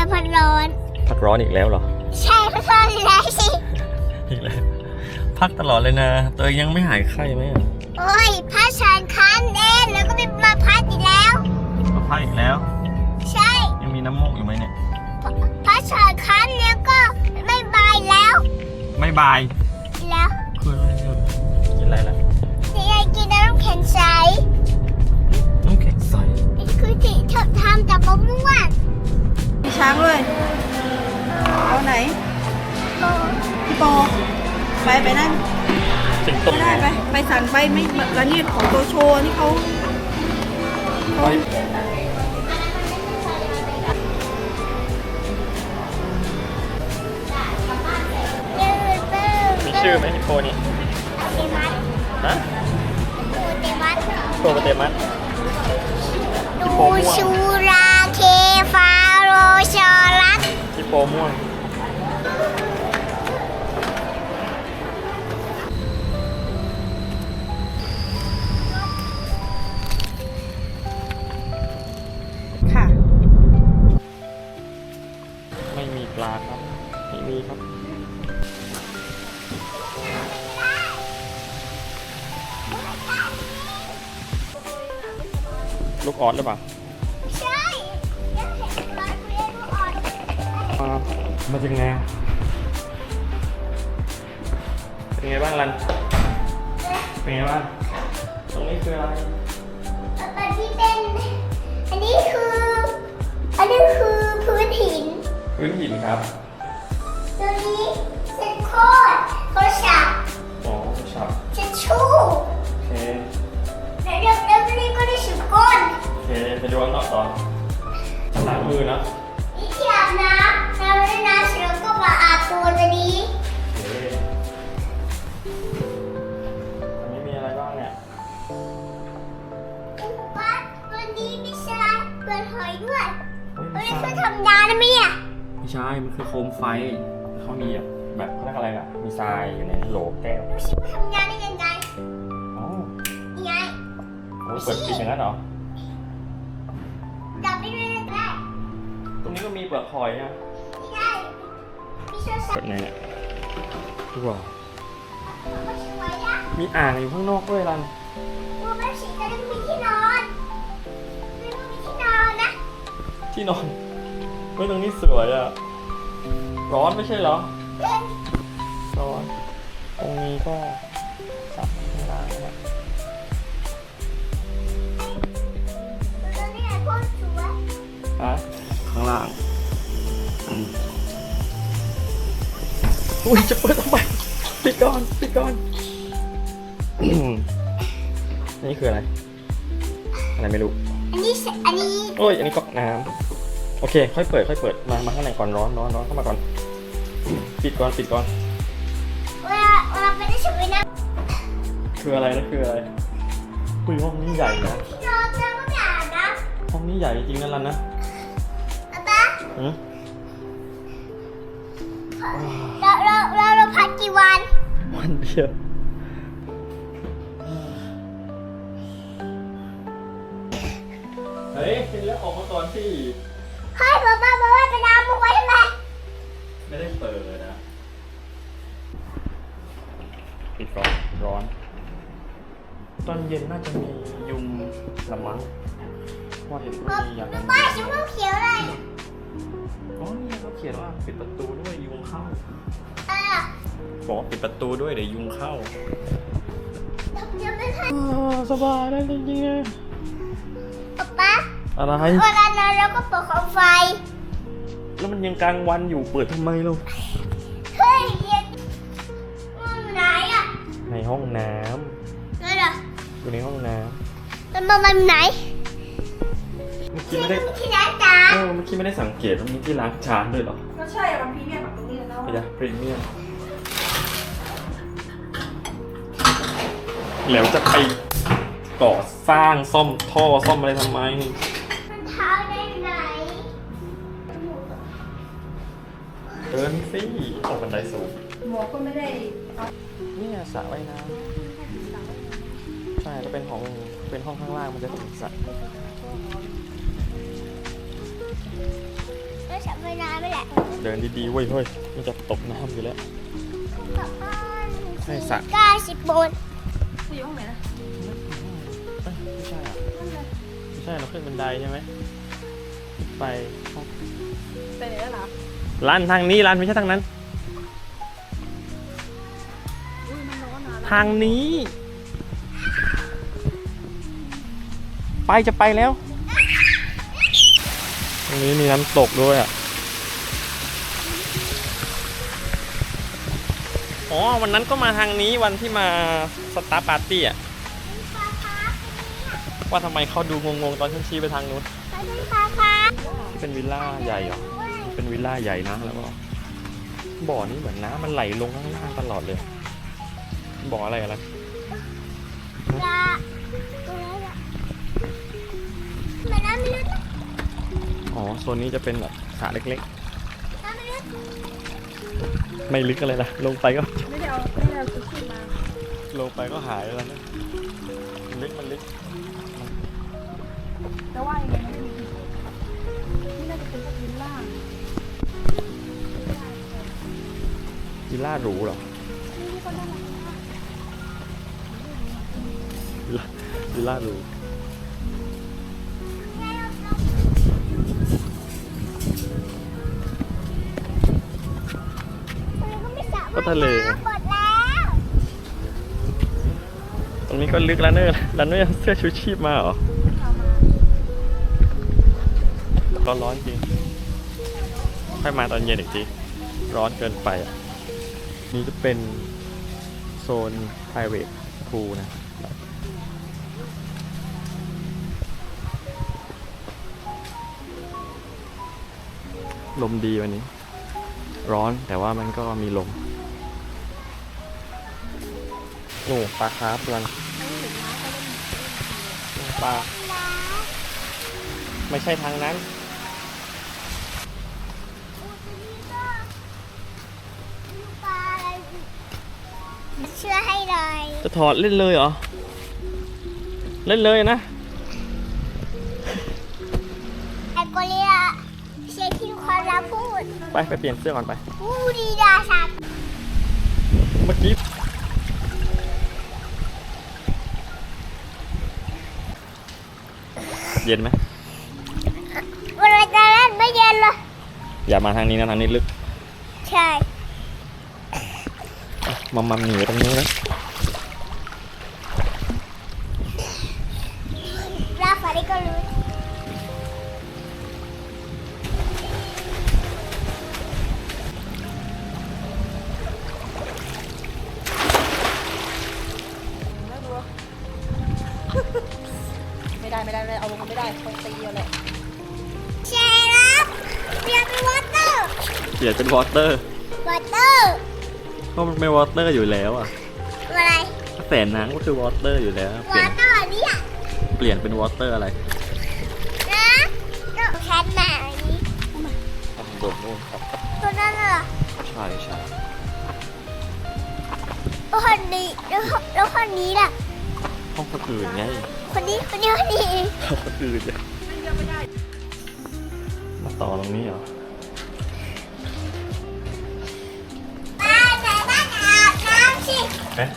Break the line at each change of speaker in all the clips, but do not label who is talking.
พัดร้อน
พักร้อนอีกแล้วเหรอ
ใช่พัดร้อนแล้วสิ
อีกแล้ว พักตลอดเลยนะตัวเองยังไม่หายไข้ไหมอ่ะ
โอ้ยพัดฉันคันเองแล้วก็ไปมาพัดอีกแล้ว
มาพักอีกแล้ว
ใช่
ยังมีน้ำมูกอยู่ไหมเนี่ย
พัดฉันคันแล้วก็ไม่บายแล้ว
ไม่บาย
แล้ว
คืออะไรอ่ะกินอะไรล่ะ
นี่ไงกินน้ำแข็งใส
น้ำแข็งใส
นี่คือที่เธอทำจากมะม่วง
มีช้างด้วยเอาไหน
โอ้
พี่โปไปนั่น
สิงโต
ไม่ได้ไปสั่งไปไม่แล้วนี่ของตัวโชว์นี่เขา
ไปมีชื่อไหมฮิปโปนี่
เตมัส
ฮะ
เตมัส
โปเตมัส
ดูชูราเคฟาโรชอรัส
ฮิปโปม่วง
ค่ะ
ไม่มีปลาครับไม่มีครับลูกออสหรือเปล่า
ใช่ยังเห็นตอนเรียนอ่อน
มาจากไงเป็นไงบ้างรัน เป็นไงบ้าง ตรงนี้คืออะไร
ตอนที่เป็นอันนี้คือพื้นหิน
พื้นหินครับ
ตัวนี้เซ็นโคดโทรศัพท์
อ๋อช็อป
เช็ดชู่
โอเค
แล้วนี่ก็ได้ฉุกก้น
โอเค ไปดูกันต่อล้างมือนะ
นี่ที่อาบน้ำเราได้น้ำเสร็จแล้วก็มาอาบตัวนี้
โอเคอันนี้มีอะไรบ้างเนี่ย
ว่าตัวนี้ไม่ใช่เปลือกหอยด้วย
เฮ้ย
ตัว
ไม่
นี้
ใช่
คือธรรมดานะเนี่ย
ไม่ใช่ มันคือโคมไฟ เขามีแบบเขาเรียกอะไรล่ะ มีทรายอยู่ในโหลแก้ว
ทำงานได้ยังไง
อ๋อ
ยังไง
โอ้ยเปิดปิดอย่างนั้นเหรอ
จับได้เลยได้
ตรงนี้ก็มีเปลือกหอยนะ
ไม่ได้พี่ช่วยสั่
เปิ
ง
ดไงเนี่ยว้าว
ก็ช่วยนะ
มีอ่างอยู่ข้างนอกด้วยรัน
ดูแม่ฉีจะได้มีที่นอนไม่ต้องมีที่นอนนะ
ที่นอนเฮ้ยตรงนี้สวยอ่ะ ร้อนไม่ใช่เหรอ
เล่น
ร้อน ตรงนี้ก็สระข้างล่างนะ
ตัวนี้โคตรสวย
ฮะข้างล่างอุ้ยจะเปิดทำไมปิดก่อนปิดก่อนนี่คืออะไร อะไรไม่รู้
อันนี้
โอ้ย อันนี้ก๊อกน้ำโอเค ค่อยเปิด มาข้างในก่อน ร้อนเข้ามาก่อน ปิดก่อน
เวลาไปได้ฉุกไปนะ
คืออะไรนะ คืออะไรคุยห้องนี้ใหญ่นะ
ที่นอนแล้วก็ไม่อาบนะ
ห้องนี้ใหญ่จริงๆนะรันนะ
ป๊า
หืม
เราพักกี่วัน
วันเดียวเฮ้ยเป็นแล้วออกมาก่อนสิ
ให้ป๊าไปน้ำมุกไว้ทำไม
ไม่ได้เปิดนะ ปิดก่อน ร้อน ตอนเย็นน่าจะมียุงละมั้งว่าเห็นว่ามีอย่างนั้น
ป้าชิมเขียวเลย
อ๋อนี่เขาเขียนว่าปิดประตูด้วยยุงเข้า
เออ
บอกว่าปิดประตูด้วยเดี๋ยวยุงเข้า
ยังไม่ทัน
สบายได้จริงๆอะ
ป๊า
อะไร
เวลานอนเราก็เปิดของไฟ
แล้วมันยังกลางวันอยู่เปิดทำไมเรา
เฮ้ยเย็นไหนอ่ะ
ในห้องน้
นั่นเหรอ
ำอยู่ในห้องน้
มันไหน
ำเมื่อกี้ไม่ได้
ที่ไหนจ๊ะ
เมื่อกี้ไม่ได้สังเกตว่ามีที่ล้างจานด้วยเหรอ
ก็ใช่อะมันพรีเมียมแบบตรงนี้แล้ว
ไปจ้ะพรีเมียมแล้วจะไปก่อสร้างซ่อมท่อซ่อมอะไรทำไม
มันเท้าได้ไหน
เดินสิออกบันไดสูง
หมวกก็ไม่ได้
เนี่ยสระว่ายน้ำใช่แล้วเป็นห้องข้างล่างมันจะถึงสระ
แล้วฉันไปน้
เดินดีๆเว้ยเฮ้ยมันจะตกน้ำอยู่แล้ว ใช่สระ
90 บาท
จะอยู่ห้องไหนนะ
ไม่ใช่อ่ะไม่ใช่เราขึ้นบันไดใช่ไหมไปห้อง
ไปไหนแล้วเหรอ
ร้านทางนี้ร้านไม่ใช่ทางนั้น
อุ้ยมันร้อนนะ
ทางนี้ ไปจะไปแล้ว ตรงนี้มีน้ำตกด้วยอ่ะ อ๋อวันนั้นก็มาทางนี้วันที่มาสตาร์ปาร์ตี้อ่ะ ว่าทำไมเขาดูงงๆตอนฉันชี้ไปทางนู้น เป็นวิลล่าใหญ่เหรอ เป็นวิลล่าใหญ่นะแล้วก็บ่อนี้เหมือนน้ำมันไหลลงข้างล่างตลอดเลย บ่ออะไรอะไร อ๋อโซนนี้จะเป็นแบบสระเล็กๆ ไม่ลึกอะไรนะลงไปก็
ไม่ได้เอาชุดขึ้นมา
ลงไปก็หายแล้วนะมันลึก
แต่ว่ายังไงมันไม่มีนี่น่าจะเป็นพวกวิลล่า
วิลล่าหรูเหรอ
นี่ก็น่ารักมาก
วิลล่าหรูก็ทะเล
หมดแล้ว
ตรงนี้ก็ลึกแล้วเนอะแล้วเนอะเสื้อชูชีพมาเหรอ
เอามา
ก็ร้อนจริงค่อยมาตอนเย็นอีกที ร้อนเกินไปอ่ะ นี่จะเป็นโซน private pool นะ ลมดีวันนี้ ร้อนแต่ว่ามันก็มีลมโอ้ปลาคาร์ฟกันปลาไม่ใช่ทางนั้น
เชื่อให้เลย
จะถอดเล่นเลยเหรอ เล่นเลยนะ
ไอ้โกเลียเชียร์ที่ความรักพูด
ไปเปลี่ยนเสื้อก่อนไป
พูดดีดาสัตว์
เมื่อกี้เย็นไหม
เวลาจะเล่นไม่เย็นเลย
อย่ามาทางนี้นะทางนี้ลึก
ใช่
มัมหนีไปตรงนู้นนะ
ราฟาริก็รู้
น่ากลัวไม่ได้เอาลงมาไม่ได้คนตีเอาแหละ
เชรับเปลี่ยนเป็นวอเตอร์
เปลี่ยนเป็นวอเตอร์
วอเตอร์
ก็มันเป็นวอเตอร์อยู่แล้วอ่ะ
อะไร
แสนน้ำก็คือวอเตอร์อยู่แล้ว
วอเตอร์เนี่ย
เปลี่ยนเป็นวอเตอร์อะไร
นะก็แค่ไหน
โดดนู่นครับ
ตัวนั้นเหรอ
ใช่ใช่
แล้วคนนี้แล้วคนนี้ล่ะ
ห้องคนอื่นไง
คนนี้
ห้องคนอื่นไงมาต่อตรงนี้เหรอ
ป้าไหนบ้านอาบน้ำสิ
เอ๊ะ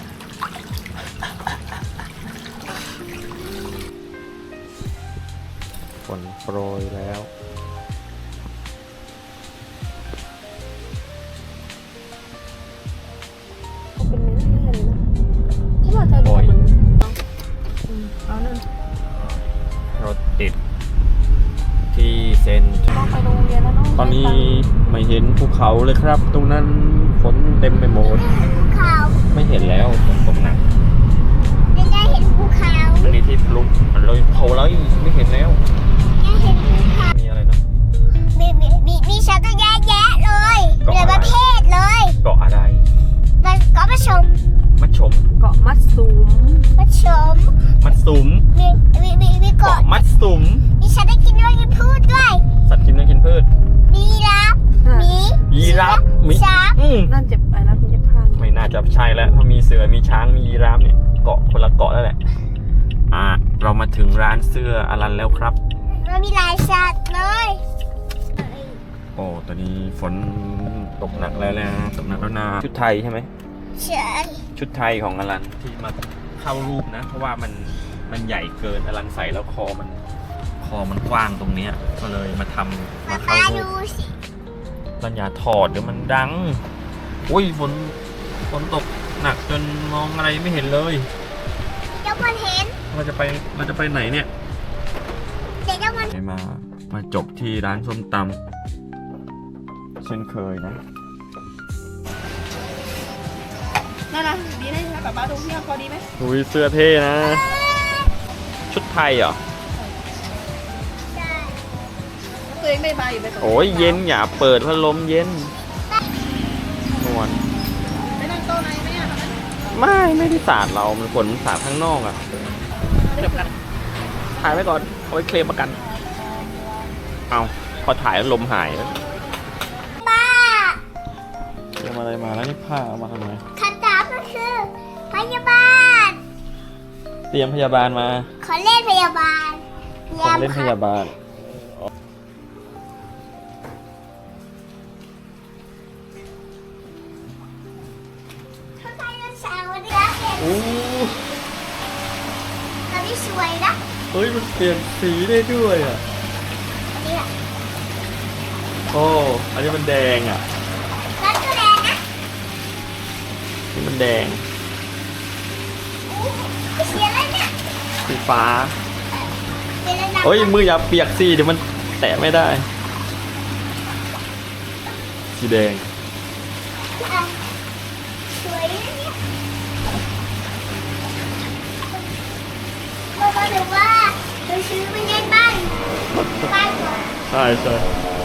ฝนโปรยแล้ว
เขาเป็นเนื้อเลยนะที่ว่าเธอ
โอ้ย
เอานั่น
รถติดที่เซน
ต้องไปโรงเรียนแล้วเนาะ
ตอนนี้ไม่เห็นภูเขาเลยครับ ตรงนั้นฝนเต็มไปหมด
ภูเขา
ไม่เห็นแล้วฝนตกหนัก
ยังได้เห็นภูเขา
อันนี้ที่พลุเลยเขาแล้วไม่เห็นแล้ว
ยังเห็นภูเขา
มีอะไรนะ
มีชาวตั้งแยะเลย
เกาะ
หลาย
อะไร
ประเภทเลย
เกาะอะไร
มันก็มาชม
มัดฉม
เกาะมัดสูม
มาชม
มัดสุม
มีเกาะ
เกาะมัดสุม
มีฉันได้กินด้วยกินพูดด้วย
สัตว์กินเนื้อกินพืช
มีรับมี
ยีราฟมี
ช้าง
นั่นเจ็บไปแล้วคุณจะพลาด
ไม่น่าจะใช่แล้วเพราะมีเสือมีช้างมียีราฟเนี่ยเกาะคนละเกาะแล้วแหละเรามาถึงร้านเสื้ออลันแล้วครับ
มันมีหลายสัตว์เลย
โอ้ตอนนี้ฝนตกหนักแล้วนะตกหนักแล้วนะชุดไทยใช่ไหม
ใช่
ชุดไทยของอลันที่มาเข้ารูปนะ เพราะว่ามันใหญ่เกินอลันใส่แล้วคอมันกว้างตรงเนี้ยก็เลยมาทำมาเข้า
ป้า
รู
ดู
ป
สิ
รัญญาถอดเดี๋ยวมันดังอุ้ยฝนตกหนักจนมองอะไรไม่เห็นเลย
เจ้ามันเห็น
เราจะไปไหนเนี่ย
เดี๋ยวเจ้ามัน
มาจบที่ร้านส้มตำเช่นเคยนะ
นั่นนะดีได้ไหมป๊าดูพี่พอดีไหม
อุ้ยเสื้อเท่นะ ชุดไทยเหรอ
ได้
ตัวเองไม่มาอยู่ไปตรง
โอ้ยเย็นอย่าเปิดพัดลมเย็นนวล
ไม่นั่งโต๊ะไหนไหมอ่ะ
ไม่ได้สาดเรา มันฝนสาดข้างนอกอ่ะถ่ายไว้ก่อน เอาไว้เคลมประกัน เอาพอถ่ายแล้วลมหายแล้ว
ป้า
เตรียมอะไรมาแล้วนี่ผ้าเอามาทำไม
คำถามก็คือพยาบาล
เตรียมพยาบาลมา
ขอเล่นพยาบาล
ของเล่นพยาบาล
เขาใส่รองเท้าวันนี้เห็น
โอ้
ตอนนี้สวยนะ
เฮ้ยมันเปลี่ยนสีได้ด้วยอ่ะ
อันนี้แหละ
โอ้ อันนี้มันแดงอ่ะ
ร้านก็แดงนะ
นี่มันแดง
เสียแล้วเนี่ย
สีฟ้า
เสียแล้วนะ
เฮ้ยมืออย่าเปียกสิเดี๋ยวมันแตะไม่ได้ สีแดง
อ่ะสวยนะเนี่ยพ่อบอกว่าเราซื้อมาเล่นบ้านก่อน
ใช่